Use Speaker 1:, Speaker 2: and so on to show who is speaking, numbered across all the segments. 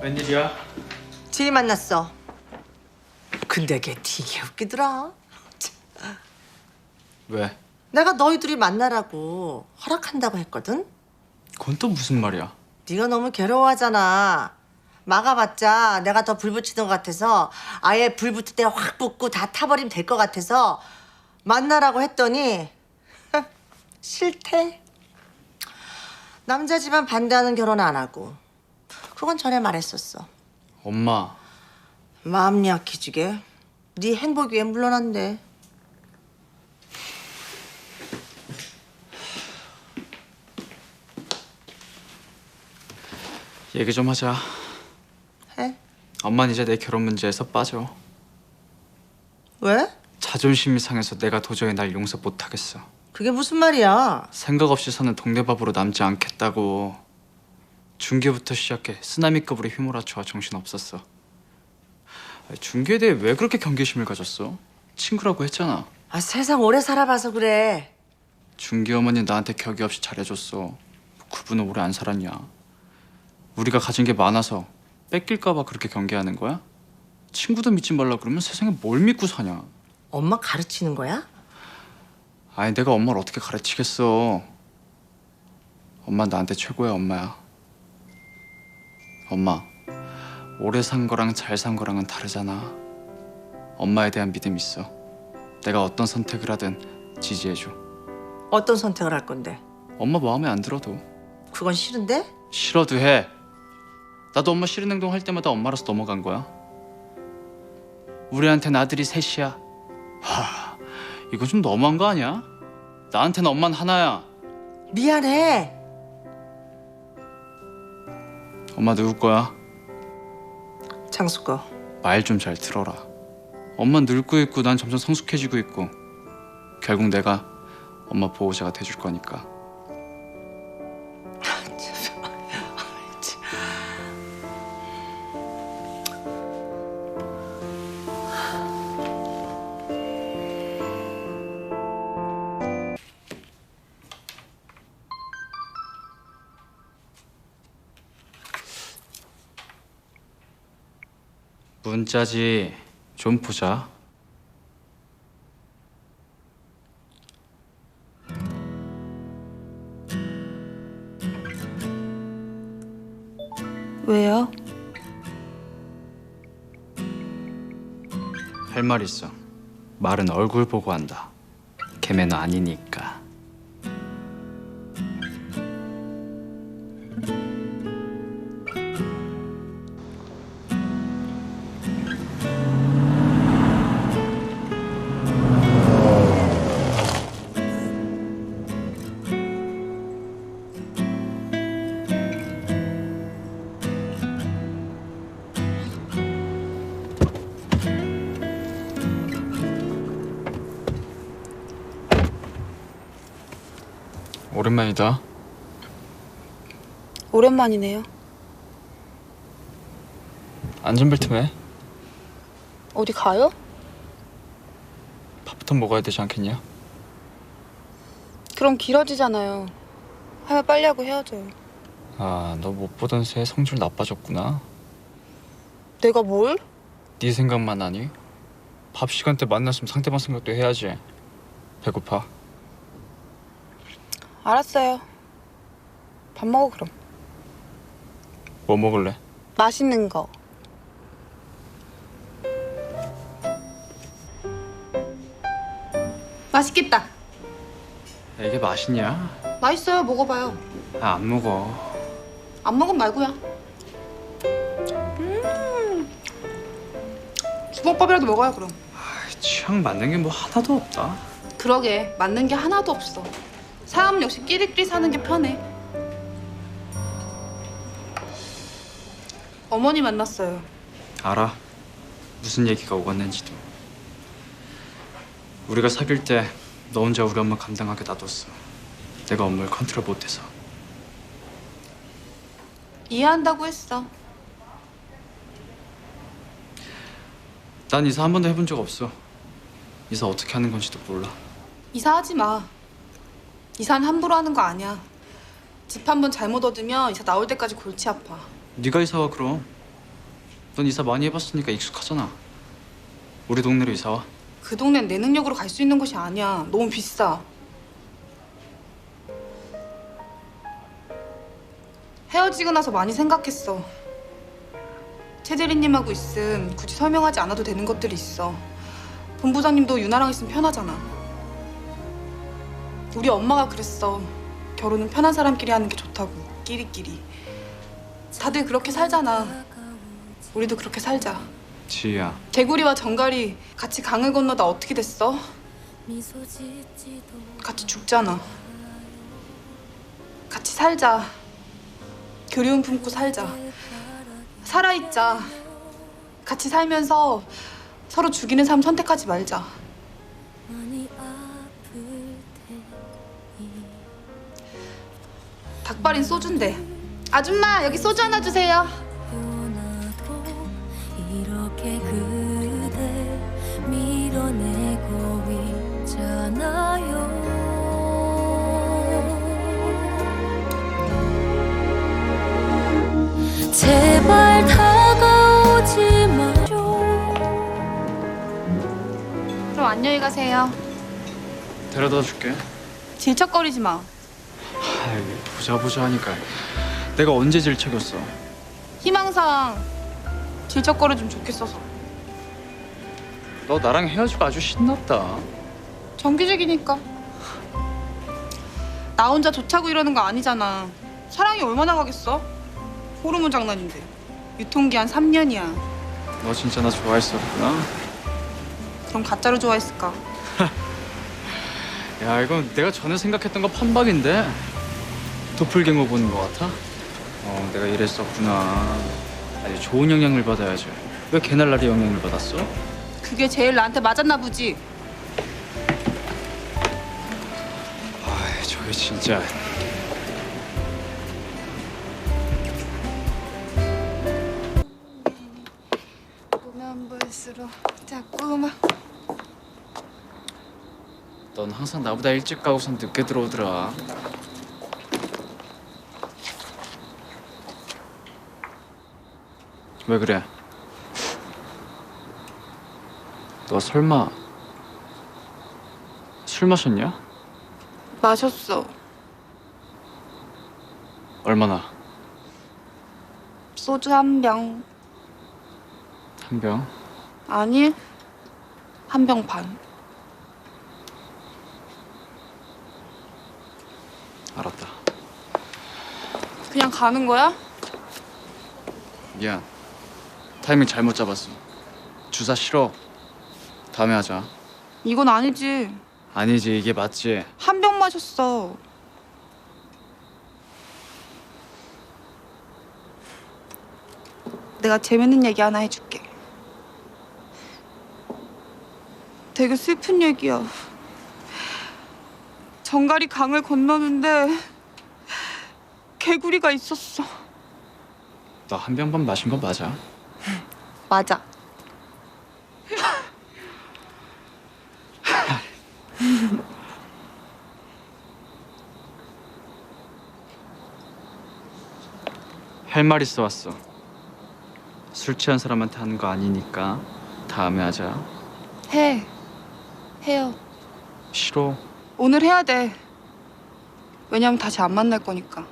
Speaker 1: 웬일이야?
Speaker 2: 지희 만났어. 근데 걔 되게 웃기더라.
Speaker 1: 왜?
Speaker 2: 내가 너희 둘이 만나라고 허락한다고 했거든.
Speaker 1: 그건 또 무슨 말이야?
Speaker 2: 네가 너무 괴로워하잖아. 막아봤자 내가 더 불 붙이는 것 같아서 아예 불 붙을 때 확 붙고 다 타버리면 될 것 같아서 만나라고 했더니 싫대. 남자 집안 반대하는 결혼 안 하고. 그건 전에 말했었어.
Speaker 1: 엄마,
Speaker 2: 마음 약해지게. 네 행복 위해 물러난대.
Speaker 1: 얘기 좀 하자.
Speaker 2: 해?
Speaker 1: 엄마는 이제 내 결혼 문제에서 빠져.
Speaker 2: 왜?
Speaker 1: 자존심이 상해서 내가 도저히 날 용서 못하겠어.
Speaker 2: 그게 무슨 말이야?
Speaker 1: 생각 없이 사는 동네밥으로 남지 않겠다고. 중계부터 시작해 쓰나미급으로 휘몰아쳐 정신없었어. 중계에 대해 왜 그렇게 경계심을 가졌어? 친구라고 했잖아.
Speaker 2: 아, 세상 오래 살아봐서 그래.
Speaker 1: 중계 어머니 나한테 격이 없이 잘해줬어. 그분은 오래 안 살았냐? 우리가 가진 게 많아서 뺏길까 봐 그렇게 경계하는 거야? 친구도 믿지 말라 그러면 세상에 뭘 믿고 사냐?
Speaker 2: 엄마 가르치는 거야?
Speaker 1: 아니 내가 엄마를 어떻게 가르치겠어. 엄마 나한테 최고야 엄마야. 엄마, 오래 산 거랑 잘 산 거랑은 다르잖아. 엄마에 대한 믿음 있어. 내가 어떤 선택을 하든 지지해줘.
Speaker 2: 어떤 선택을 할 건데?
Speaker 1: 엄마 마음에 안 들어도.
Speaker 2: 그건 싫은데?
Speaker 1: 싫어도 해. 나도 엄마 싫은 행동 할 때마다 엄마라서 넘어간 거야. 우리한텐 아들이 셋이야. 하, 이거 좀 너무한 거 아니야? 나한테는 엄마는 하나야.
Speaker 2: 미안해.
Speaker 1: 엄마 누구 거야?
Speaker 2: 장수 거.
Speaker 1: 말 좀 잘 들어라. 엄마 늙고 있고 난 점점 성숙해지고 있고 결국 내가 엄마 보호자가 돼줄 거니까. 문자지. 좀 보자.
Speaker 3: 왜요?
Speaker 1: 할 말 있어. 말은 얼굴 보고 한다. 개매너 아니니까. 오랜만이다.
Speaker 3: 오랜만이네요.
Speaker 1: 안전벨트 매.
Speaker 3: 어디 가요?
Speaker 1: 밥부터 먹어야 되지 않겠냐?
Speaker 3: 그럼 길어지잖아요. 하면 빨리 하고 헤어져요.
Speaker 1: 아, 너 못 보던 새에 성질 나빠졌구나.
Speaker 3: 내가 뭘?
Speaker 1: 네 생각만 하니? 밥 시간 때 만났으면 상대방 생각도 해야지. 배고파.
Speaker 3: 알았어요. 밥 먹어 그럼.
Speaker 1: 뭐 먹을래?
Speaker 3: 맛있는 거. 맛있겠다.
Speaker 1: 야, 이게 맛있냐?
Speaker 3: 맛있어요. 먹어봐요.
Speaker 1: 아, 안 먹어.
Speaker 3: 안 먹으면 말고요. 주먹밥이라도 먹어요 그럼.
Speaker 1: 취향 맞는 게 뭐 하나도 없다.
Speaker 3: 그러게 맞는 게 하나도 없어. 사람 역시 끼리끼리 사는 게 편해. 어머니 만났어요.
Speaker 1: 알아. 무슨 얘기가 오갔는지도. 우리가 사귈 때 너 혼자 우리 엄마 감당하게 놔뒀어. 내가 엄마를 컨트롤 못해서.
Speaker 3: 이해한다고 했어.
Speaker 1: 난 이사 한 번도 해본 적 없어. 이사 어떻게 하는 건지도 몰라.
Speaker 3: 이사하지 마. 이사는 함부로 하는 거 아니야. 집 한 번 잘못 얻으면 이사 나올 때까지 골치 아파.
Speaker 1: 네가 이사 와 그럼. 넌 이사 많이 해봤으니까 익숙하잖아. 우리 동네로 이사 와.
Speaker 3: 그 동네는 내 능력으로 갈 수 있는 곳이 아니야. 너무 비싸. 헤어지고 나서 많이 생각했어. 최 대리님하고 있음 굳이 설명하지 않아도 되는 것들이 있어. 본부장님도 유나랑 있으면 편하잖아. 우리 엄마가 그랬어. 결혼은 편한 사람끼리 하는 게 좋다고. 끼리끼리. 다들 그렇게 살잖아. 우리도 그렇게 살자.
Speaker 1: 지희야.
Speaker 3: 개구리와 정갈이 같이 강을 건너다 어떻게 됐어? 같이 죽잖아. 같이 살자. 그리움 품고 살자. 살아있자. 같이 살면서 서로 죽이는 삶 선택하지 말자. 닭발인 소주인데. 아줌마 여기 소주 하나 주세요.
Speaker 4: 이렇게 그댈 밀어내고 있잖아요. 제발 다가오지 마요.
Speaker 3: 그럼 안녕히 가세요.
Speaker 1: 데려다 줄게.
Speaker 3: 질척거리지 마.
Speaker 1: 아이, 보자 하니까 내가 언제 질척였어.
Speaker 3: 희망사항 질척거려주면 좋겠어서.
Speaker 1: 너 나랑 헤어지고 아주 신났다.
Speaker 3: 정규직이니까. 나 혼자 좋자고 이러는 거 아니잖아. 사랑이 얼마나 가겠어? 호르몬 장난인데. 유통기한 3년이야.
Speaker 1: 너 진짜 나 좋아했었구나.
Speaker 3: 그럼 가짜로 좋아했을까?
Speaker 1: 야, 이건 내가 전에 생각했던 거 판박인데. 도플갱어 보는 거 같아? 내가 이랬었구나. 아주 좋은 영향을 받아야지. 왜 개날라리 영향을 받았어?
Speaker 3: 그게 제일 나한테 맞았나 보지.
Speaker 1: 아이, 저게 진짜.
Speaker 3: 보면 볼수록 자꾸만.
Speaker 1: 넌 항상 나보다 일찍 가고선 늦게 들어오더라. 왜 그래? 너 설마 술 마셨냐?
Speaker 3: 마셨어.
Speaker 1: 얼마나?
Speaker 3: 소주 한 병.
Speaker 1: 한 병?
Speaker 3: 아니, 한 병 반.
Speaker 1: 알았다.
Speaker 3: 그냥 가는 거야?
Speaker 1: 미안. 타이밍 잘못 잡았어. 주사 싫어. 다음에 하자.
Speaker 3: 이건 아니지.
Speaker 1: 아니지, 이게 맞지.
Speaker 3: 한 병 마셨어. 내가 재밌는 얘기 하나 해줄게. 되게 슬픈 얘기야. 정갈이 강을 건너는데 개구리가 있었어.
Speaker 1: 너 한 병 반 마신 거 맞아?
Speaker 3: 맞아.
Speaker 1: 할 말 있어 왔어. 술 취한 사람한테 하는 거 아니니까 다음에 하자.
Speaker 3: 해요.
Speaker 1: 싫어.
Speaker 3: 오늘 해야 돼. 왜냐면 다시 안 만날 거니까.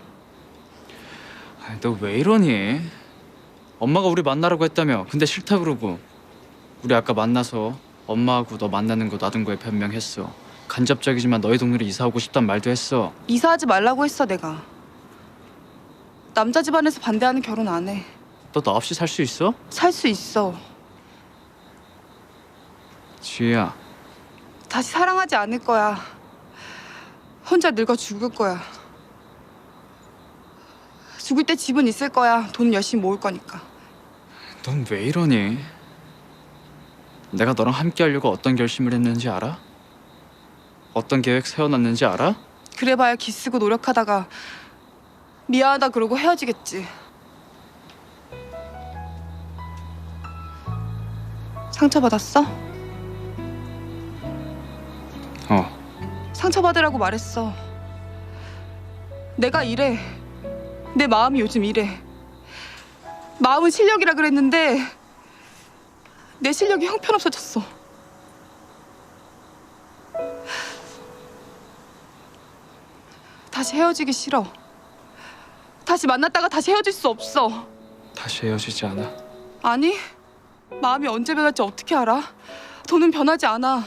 Speaker 1: 너 왜 이러니? 엄마가 우리 만나라고 했다며. 근데 싫다 그러고. 우리 아까 만나서 엄마하고 너 만나는 거 놔둔 거에 변명했어. 간접적이지만 너희 동네로 이사 오고 싶단 말도 했어.
Speaker 3: 이사하지 말라고 했어 내가. 남자 집안에서 반대하는 결혼 안 해.
Speaker 1: 너 나 없이 살 수 있어?
Speaker 3: 살 수 있어.
Speaker 1: 지희야.
Speaker 3: 다시 사랑하지 않을 거야. 혼자 늙어 죽을 거야. 죽을 때 집은 있을 거야. 돈 열심히 모을 거니까.
Speaker 1: 넌 왜 이러니? 내가 너랑 함께 하려고 어떤 결심을 했는지 알아? 어떤 계획 세워놨는지 알아?
Speaker 3: 그래봐야 기쓰고 노력하다가 미안하다 그러고 헤어지겠지. 상처받았어? 상처받으라고 말했어. 내가 이래. 내 마음이 요즘 이래. 마음은 실력이라 그랬는데 내 실력이 형편없어졌어. 다시 헤어지기 싫어. 다시 만났다가 다시 헤어질 수 없어.
Speaker 1: 다시 헤어지지 않아.
Speaker 3: 아니, 마음이 언제 변할지 어떻게 알아? 돈은 변하지 않아.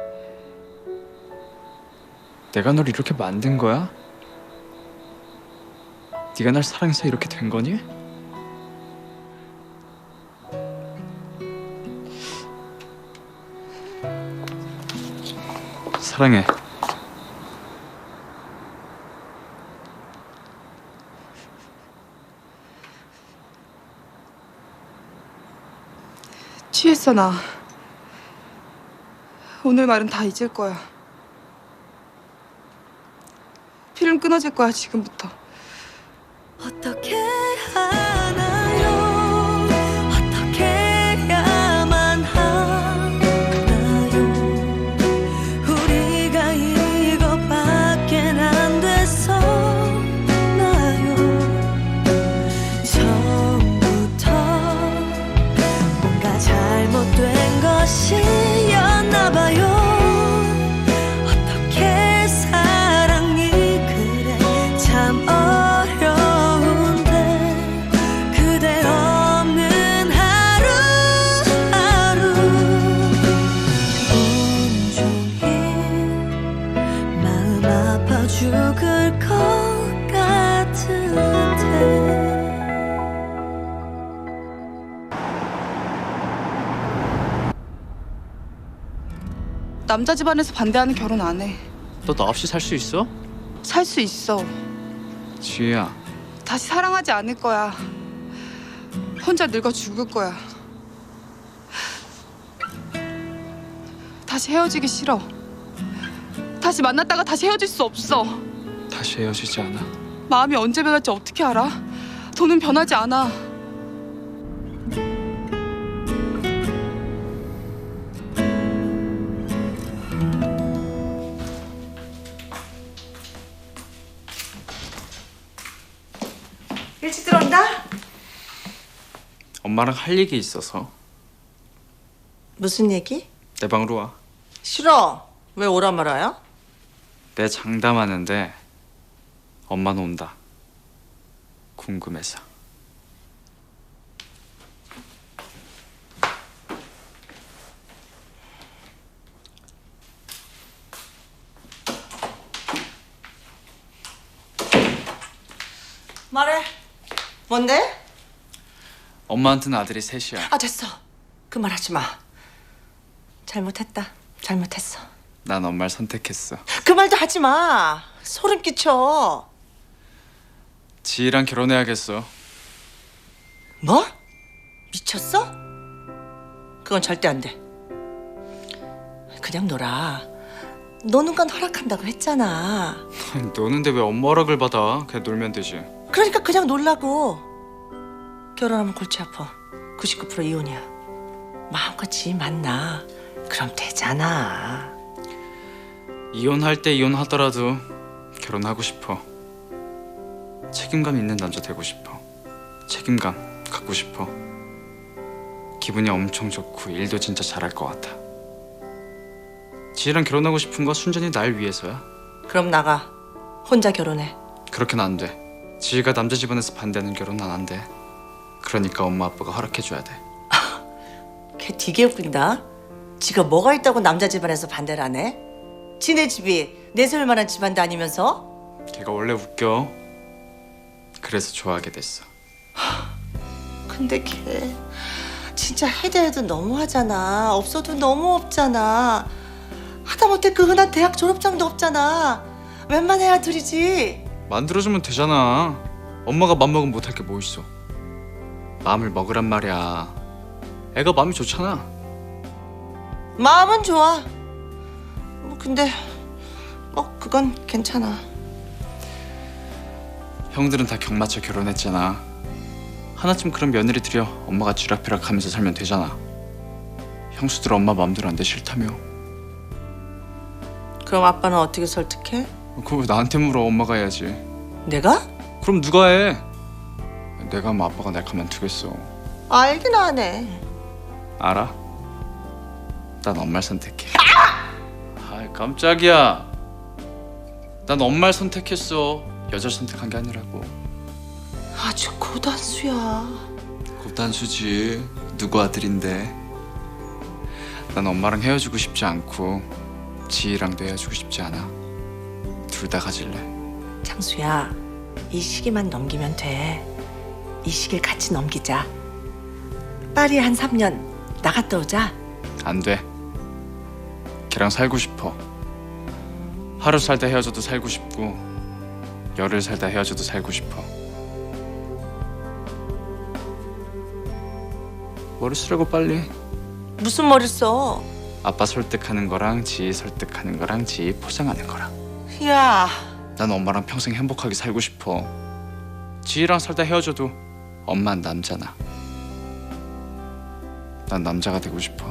Speaker 1: 내가 널 이렇게 만든 거야? 네가 날 사랑해서 이렇게 된 거니? 사랑해.
Speaker 3: 취했어, 나. 오늘 말은 다 잊을 거야. 필름 끊어질 거야, 지금부터.
Speaker 4: 어떻게 하나요? 어떻게 해야만 하나요? 우리가 이것밖엔 안 됐었나요? 처음부터 뭔가 잘못된 것이었나 봐요. 어떻게 사랑이 그래 참 어려운데 그대 없는 하루하루 온종일 마음 아파 죽을 것 같은데
Speaker 3: 남자 집안에서 반대하는 결혼 안 해.
Speaker 1: 너 나 없이 살 수 있어?
Speaker 3: 살 수 있어.
Speaker 1: 지혜야.
Speaker 3: 다시 사랑하지 않을 거야. 혼자 늙어 죽을 거야. 다시 헤어지기 싫어. 다시 만났다가 다시 헤어질 수 없어.
Speaker 1: 다시 헤어지지 않아.
Speaker 3: 마음이 언제 변할지 어떻게 알아? 돈은 변하지 않아.
Speaker 2: 일찍 들어온다?
Speaker 1: 엄마랑 할 얘기 있어서
Speaker 2: 무슨 얘기?
Speaker 1: 내 방으로 와.
Speaker 2: 싫어. 왜 오란 말아요?
Speaker 1: 내 장담하는데 엄마는 온다. 궁금해서.
Speaker 2: 말해. 뭔데?
Speaker 1: 엄마한테는 아들이 셋이야.
Speaker 2: 아, 됐어. 그 말 하지 마. 잘못했다. 잘못했어.
Speaker 1: 난 엄마를 선택했어.
Speaker 2: 그 말도 하지 마. 소름 끼쳐.
Speaker 1: 지희랑 결혼해야겠어.
Speaker 2: 뭐? 미쳤어? 그건 절대 안 돼. 그냥 놀아. 노는 건 허락한다고 했잖아.
Speaker 1: 노는데 왜 엄마 허락을 받아? 그냥 놀면 되지.
Speaker 2: 그러니까 그냥 놀라고. 결혼하면 골치 아파. 99% 이혼이야. 마음껏 지희 만나. 그럼 되잖아.
Speaker 1: 이혼할 때 이혼하더라도 결혼하고 싶어. 책임감 있는 남자 되고 싶어. 책임감 갖고 싶어. 기분이 엄청 좋고 일도 진짜 잘할 것 같아. 지희랑 결혼하고 싶은 거 순전히 날 위해서야.
Speaker 2: 그럼 나가. 혼자 결혼해.
Speaker 1: 그렇게는 안 돼. 지희가 남자 집안에서 반대하는 결혼 난 안 돼. 그러니까 엄마 아빠가 허락해줘야 돼.
Speaker 2: 걔 되게 웃긴다. 지가 뭐가 있다고 남자 집안에서 반대를 안 해? 지네 집이 내세울 만한 집안도 아니면서?
Speaker 1: 걔가 원래 웃겨. 그래서 좋아하게 됐어.
Speaker 2: 근데 걔 진짜 해도 해도 너무하잖아. 없어도 너무 없잖아. 하다못해 그 흔한 대학 졸업장도 없잖아. 웬만해야 둘이지.
Speaker 1: 만들어주면 되잖아. 엄마가 맘먹으면 못할 게 뭐 있어. 마음을 먹으란 말이야. 애가 마음이 좋잖아.
Speaker 2: 마음은 좋아. 뭐 근데 뭐 그건 괜찮아.
Speaker 1: 형들은 다 경맞춰 결혼했잖아. 하나쯤 그런 며느리 들여 엄마가 쥐락펴락 하면서 살면 되잖아. 형수들 엄마 마음대로 안 돼 싫다며.
Speaker 2: 그럼 아빠는 어떻게 설득해?
Speaker 1: 그거 왜 나한테 물어. 엄마가 해야지.
Speaker 2: 내가?
Speaker 1: 그럼 누가 해? 내가 하면 아빠가 날 가만두겠어.
Speaker 2: 알긴 하네.
Speaker 1: 알아? 난 엄마를 선택해. 아, 깜짝이야. 난 엄마를 선택했어. 여자를 선택한 게 아니라고.
Speaker 2: 아주 고단수야.
Speaker 1: 고단수지. 누구 아들인데. 난 엄마랑 헤어지고 싶지 않고 지희랑도 헤어지고 싶지 않아. 둘 다 가질래.
Speaker 2: 창수야, 이 시기만 넘기면 돼. 이 시기를 같이 넘기자. 파리 한 3년 나갔다 오자.
Speaker 1: 안 돼. 걔랑 살고 싶어. 하루 살다 헤어져도 살고 싶고 열흘 살다 헤어져도 살고 싶어. 머리 쓰라고 빨리.
Speaker 2: 무슨 머리 써?
Speaker 1: 아빠 설득하는 거랑 지희 설득하는 거랑 지희 포장하는 거랑.
Speaker 2: 야,
Speaker 1: 난 엄마랑 평생 행복하게 살고 싶어. 지희랑 살다 헤어져도 엄마는 남자나. 난 남자가 되고 싶어.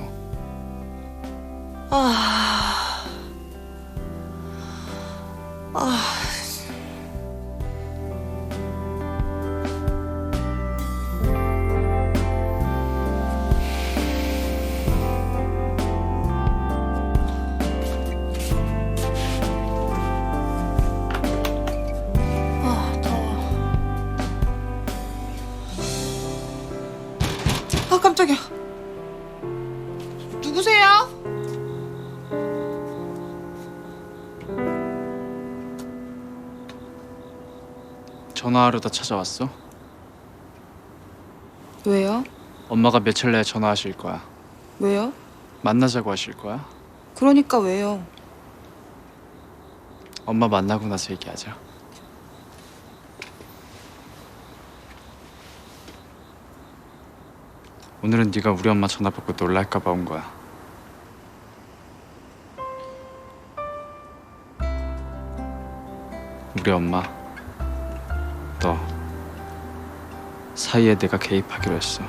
Speaker 3: 아, 깜짝이야. 누구세요?
Speaker 1: 전화하려다 찾아왔어?
Speaker 3: 왜요?
Speaker 1: 엄마가 며칠 내에 전화하실 거야.
Speaker 3: 왜요?
Speaker 1: 만나자고 하실 거야?
Speaker 3: 그러니까 왜요?
Speaker 1: 엄마 만나고 나서 얘기하자. 오늘은 네가 우리 엄마 전화 받고 놀랄까 봐 온 거야. 우리 엄마, 너 사이에 내가 개입하기로 했어.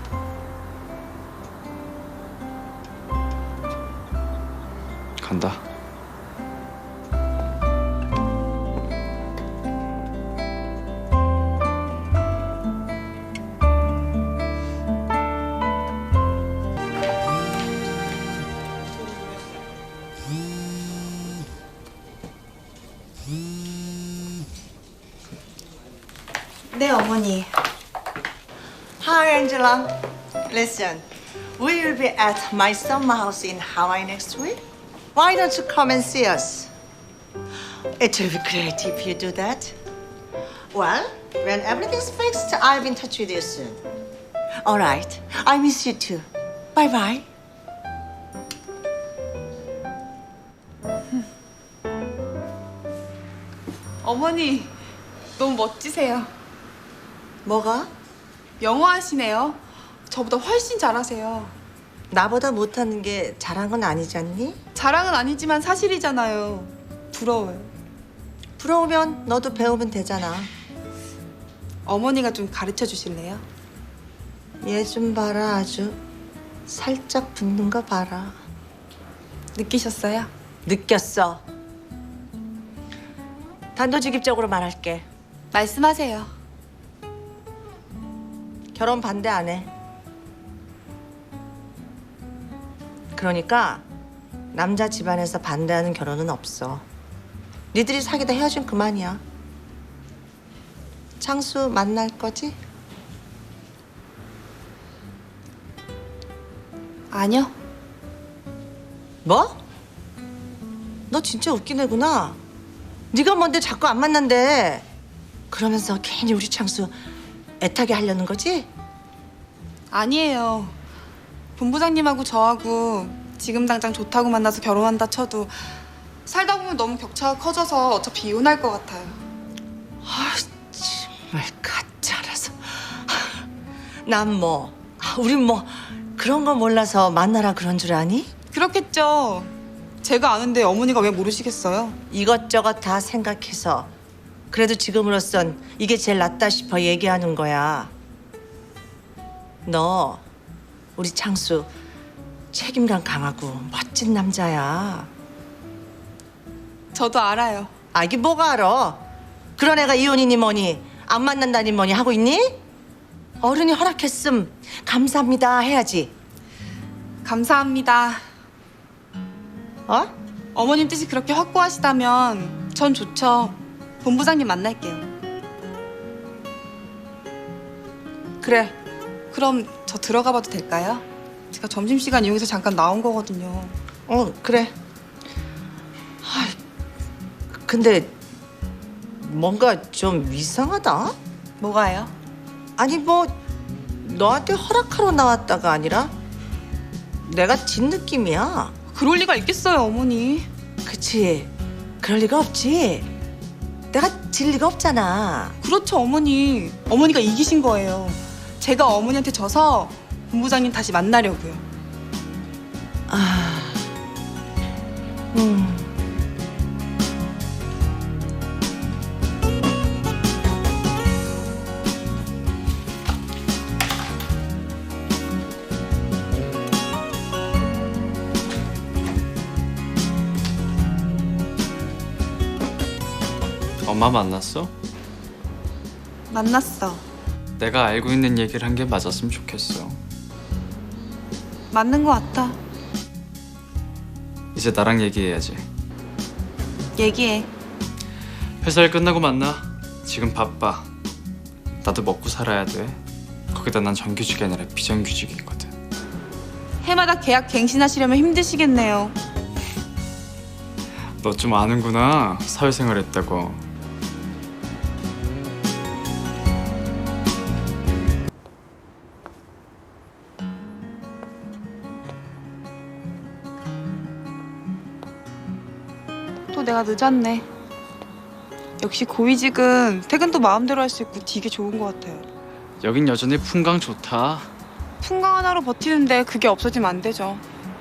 Speaker 1: 간다.
Speaker 3: 네, 어머니.
Speaker 2: Hi, Angela. Listen, we will be at my summer house in Hawaii next week. Why don't you come and see us? It will be great if you do that. Well, when everything's fixed, I'll be in touch with you soon. All right. I miss you too. Bye bye.
Speaker 3: 어머니, 너무 멋지세요.
Speaker 2: 뭐가?
Speaker 3: 영어 하시네요. 저보다 훨씬 잘하세요.
Speaker 2: 나보다 못하는 게 잘한 건 아니지 않니?
Speaker 3: 자랑은 아니지만 사실이잖아요. 부러워요.
Speaker 2: 부러우면 너도 배우면 되잖아.
Speaker 3: 어머니가 좀 가르쳐 주실래요?
Speaker 2: 얘 좀 봐라. 아주 살짝 붙는 거 봐라.
Speaker 3: 느끼셨어요?
Speaker 2: 느꼈어. 단도직입적으로 말할게.
Speaker 3: 말씀하세요.
Speaker 2: 결혼 반대 안 해. 그러니까 남자 집안에서 반대하는 결혼은 없어. 니들이 사귀다 헤어진 그만이야. 창수 만날 거지?
Speaker 3: 아니요.
Speaker 2: 뭐? 너 진짜 웃긴 애구나. 네가 뭔데 자꾸 안 만난대. 그러면서 괜히 우리 창수 애타게 하려는 거지?
Speaker 3: 아니에요. 본부장님하고 저하고 지금 당장 좋다고 만나서 결혼한다 쳐도 살다 보면 너무 격차가 커져서 어차피 이혼할 것 같아요.
Speaker 2: 아, 정말 가짜라서. 난 뭐, 우린 뭐 그런 거 몰라서 만나라 그런 줄 아니?
Speaker 3: 그렇겠죠. 제가 아는데 어머니가 왜 모르시겠어요?
Speaker 2: 이것저것 다 생각해서 그래도 지금으로선 이게 제일 낫다 싶어 얘기하는 거야. 너 우리 창수 책임감 강하고 멋진 남자야.
Speaker 3: 저도 알아요.
Speaker 2: 아, 이게 뭐가 알아? 그런 애가 이혼이니 뭐니 안 만난다니 뭐니 하고 있니? 어른이 허락했음 감사합니다 해야지.
Speaker 3: 감사합니다.
Speaker 2: 어?
Speaker 3: 어머님 뜻이 그렇게 확고하시다면 전 좋죠. 본부장님 만날게요.
Speaker 2: 그래.
Speaker 3: 그럼 저 들어가 봐도 될까요? 제가 점심시간 이용해서 잠깐 나온 거거든요.
Speaker 2: 그래. 근데 뭔가 좀 이상하다.
Speaker 3: 뭐가요?
Speaker 2: 아니 뭐 너한테 허락하러 나왔다가 아니라 내가 진 느낌이야.
Speaker 3: 그럴 리가 있겠어요, 어머니.
Speaker 2: 그치? 그럴 리가 없지. 내가 질 리가 없잖아.
Speaker 3: 그렇죠, 어머니. 어머니가 이기신 거예요. 제가 어머니한테 져서 본부장님 다시 만나려고요.
Speaker 2: 음.
Speaker 1: 엄마 만났어?
Speaker 3: 만났어.
Speaker 1: 내가 알고 있는 얘기를 한 게 맞았으면 좋겠어.
Speaker 3: 맞는 거 같아.
Speaker 1: 이제 나랑 얘기해야지.
Speaker 3: 얘기해.
Speaker 1: 회사 일 끝나고 만나. 지금 바빠. 나도 먹고 살아야 돼. 거기다 난 정규직이 아니라 비정규직이거든.
Speaker 3: 해마다 계약 갱신하시려면 힘드시겠네요.
Speaker 1: 너 좀 아는구나. 사회생활 했다고.
Speaker 3: 또 내가 늦었네. 역시 고위직은 퇴근도 마음대로 할 수 있고 되게 좋은 것 같아요.
Speaker 1: 여긴 여전히 풍광 좋다.
Speaker 3: 풍광 하나로 버티는데 그게 없어지면 안 되죠.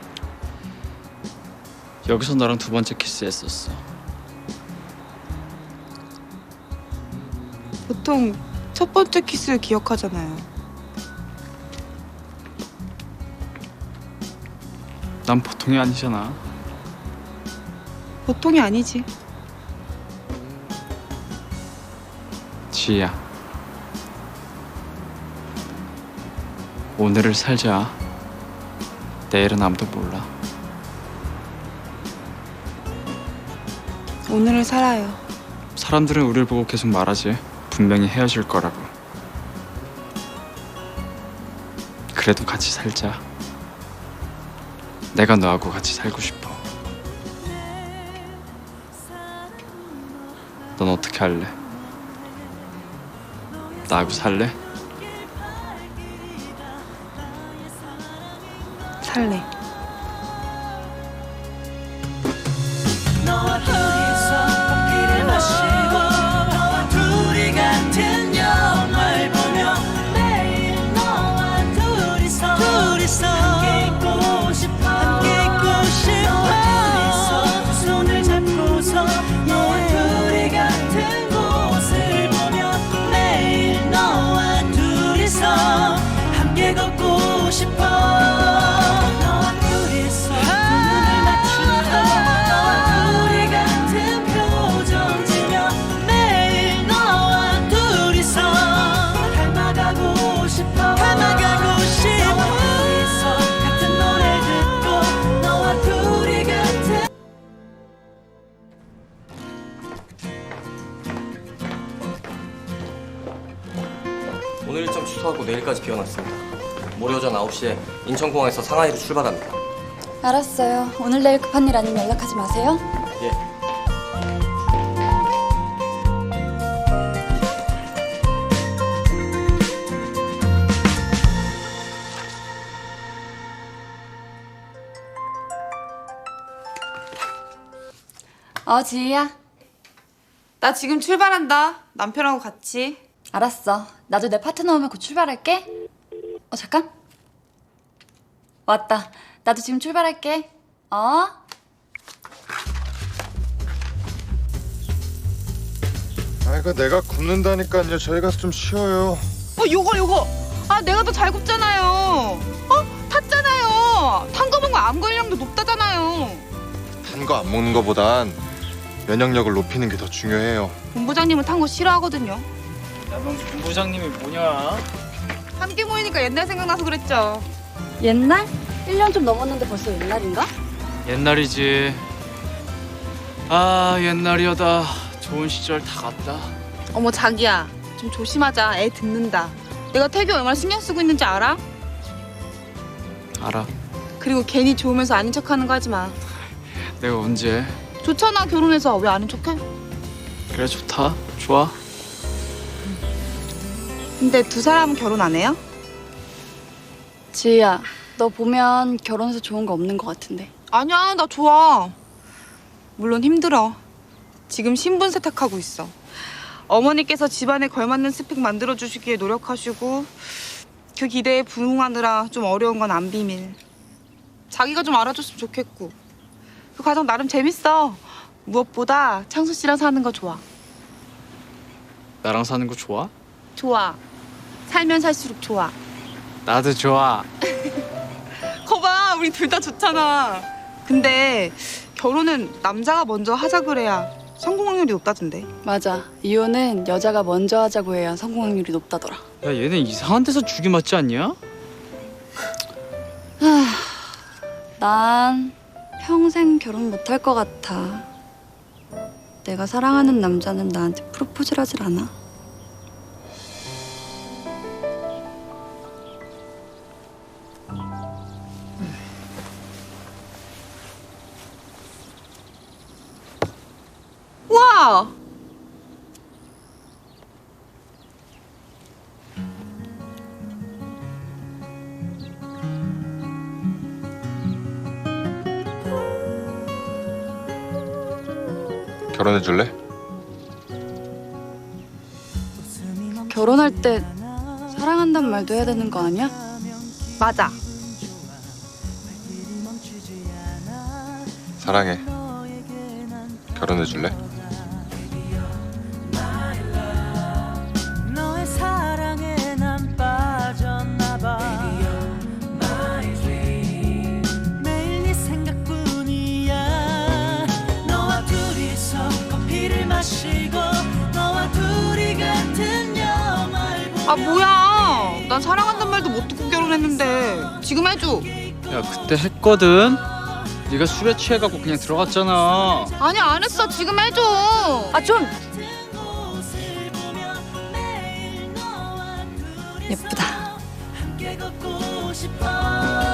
Speaker 1: 여기서 너랑 두 번째 키스했었어.
Speaker 3: 보통 첫 번째 키스를 기억하잖아요.
Speaker 1: 난 보통이 아니잖아.
Speaker 3: 보통이 아니지.
Speaker 1: 지희야. 오늘을 살자. 내일은 아무도 몰라.
Speaker 3: 오늘을 살아요.
Speaker 1: 사람들은 우리를 보고 계속 말하지. 분명히 헤어질 거라고. 그래도 같이 살자. 내가 너하고 같이 살고 싶어. 넌 어떻게 할래? 나하고 살래?
Speaker 3: 살래.
Speaker 4: 너와 둘이서 커피를 마시고 너와 둘이 같은 영화를 보며 매일 너와 둘이서 함께 있고 싶어 너와 둘이서 두 손을 잡고서 너와 둘이 같은 곳을 보며 매일 너와 둘이서 함께 걷고 싶어 너와 둘이서 두 눈을 맞추고 너와 둘이 같은 표정 지며 매일 너와 둘이서 닮아가고 싶어 너와 둘이서 같은 노래 듣고 너와 둘이 같은
Speaker 5: 오늘 일정 취소하고 내일까지 비워놨습니다. 모레 오전 9시에 인천공항에서 상하이로 출발합니다.
Speaker 6: 알았어요. 오늘 내일 급한 일 아니면 연락하지 마세요.
Speaker 5: 예.
Speaker 6: 지희야.
Speaker 3: 나 지금 출발한다. 남편하고 같이.
Speaker 6: 알았어. 나도 내 파트너 오면 곧 출발할게. 잠깐. 왔다. 나도 지금 출발할게.
Speaker 7: 아, 이거 내가 굽는다니까요. 저희 가서 좀 쉬어요.
Speaker 3: 요거. 아, 내가 더 잘 굽잖아요. 탔잖아요. 탄 거 먹으면 암 걸리량도 높다잖아요.
Speaker 7: 단 거 안 먹는 거보단 면역력을 높이는 게 더 중요해요.
Speaker 3: 본부장님은 탄 거 싫어하거든요.
Speaker 1: 야, 넌 본부장님이 뭐냐?
Speaker 3: 함께 모이니까 옛날 생각나서 그랬죠.
Speaker 6: 옛날? 1년 좀 넘었는데 벌써 옛날인가?
Speaker 1: 옛날이지. 아 옛날이여다. 좋은 시절 다 갔다.
Speaker 3: 어머 자기야, 좀 조심하자. 애 듣는다. 내가 태규 얼마나 신경 쓰고 있는지 알아?
Speaker 1: 알아.
Speaker 3: 그리고 괜히 좋으면서 아닌 척하는 거 하지 마.
Speaker 1: 내가 언제?
Speaker 3: 좋잖아 결혼해서. 왜 아닌 척해?
Speaker 1: 그래 좋다. 좋아.
Speaker 3: 근데 두 사람은 결혼 안 해요?
Speaker 6: 지희야, 너 보면 결혼해서 좋은 거 없는 거 같은데.
Speaker 3: 아니야, 나 좋아. 물론 힘들어. 지금 신분 세탁하고 있어. 어머니께서 집안에 걸맞는 스펙 만들어주시기에 노력하시고 그 기대에 부응하느라 좀 어려운 건 안 비밀. 자기가 좀 알아줬으면 좋겠고. 그 과정 나름 재밌어. 무엇보다 창수 씨랑 사는 거 좋아.
Speaker 1: 나랑 사는 거 좋아?
Speaker 3: 좋아. 살면 살수록 좋아.
Speaker 1: 나도 좋아.
Speaker 3: 거봐, 우리 둘 다 좋잖아. 근데 결혼은 남자가 먼저 하자 그래야 성공 확률이 높다던데.
Speaker 6: 맞아. 이혼은 여자가 먼저 하자고 해야 성공 확률이 높다더라.
Speaker 1: 야 얘네 이상한 데서 죽이 맞지 않냐?
Speaker 6: 난 평생 결혼 못 할 것 같아. 내가 사랑하는 남자는 나한테 프로포즈를 하질 않아.
Speaker 3: 와!
Speaker 7: 결혼해 줄래?
Speaker 6: 결혼할 때 사랑한단 말도 해야 되는 거 아니야?
Speaker 3: 맞아.
Speaker 7: 사랑해. 결혼해 줄래?
Speaker 4: 너의 사랑에 난 빠졌나봐 매일 네 생각뿐이야 너와 둘이서 커피를 마시고 너와 둘이 같은 영화를 보며
Speaker 3: 아 뭐야? 난 사랑한단 말도 못 듣고 결혼했는데 지금 해줘.
Speaker 1: 야 그때 했거든. 네가 술에 취해갖고 그냥 들어갔잖아.
Speaker 3: 아니 안 했어. 지금 해줘.
Speaker 6: 아 좀!
Speaker 4: 곳을 보며 매일 너와 둘이
Speaker 6: 예쁘다.
Speaker 4: 함께 걷고 싶어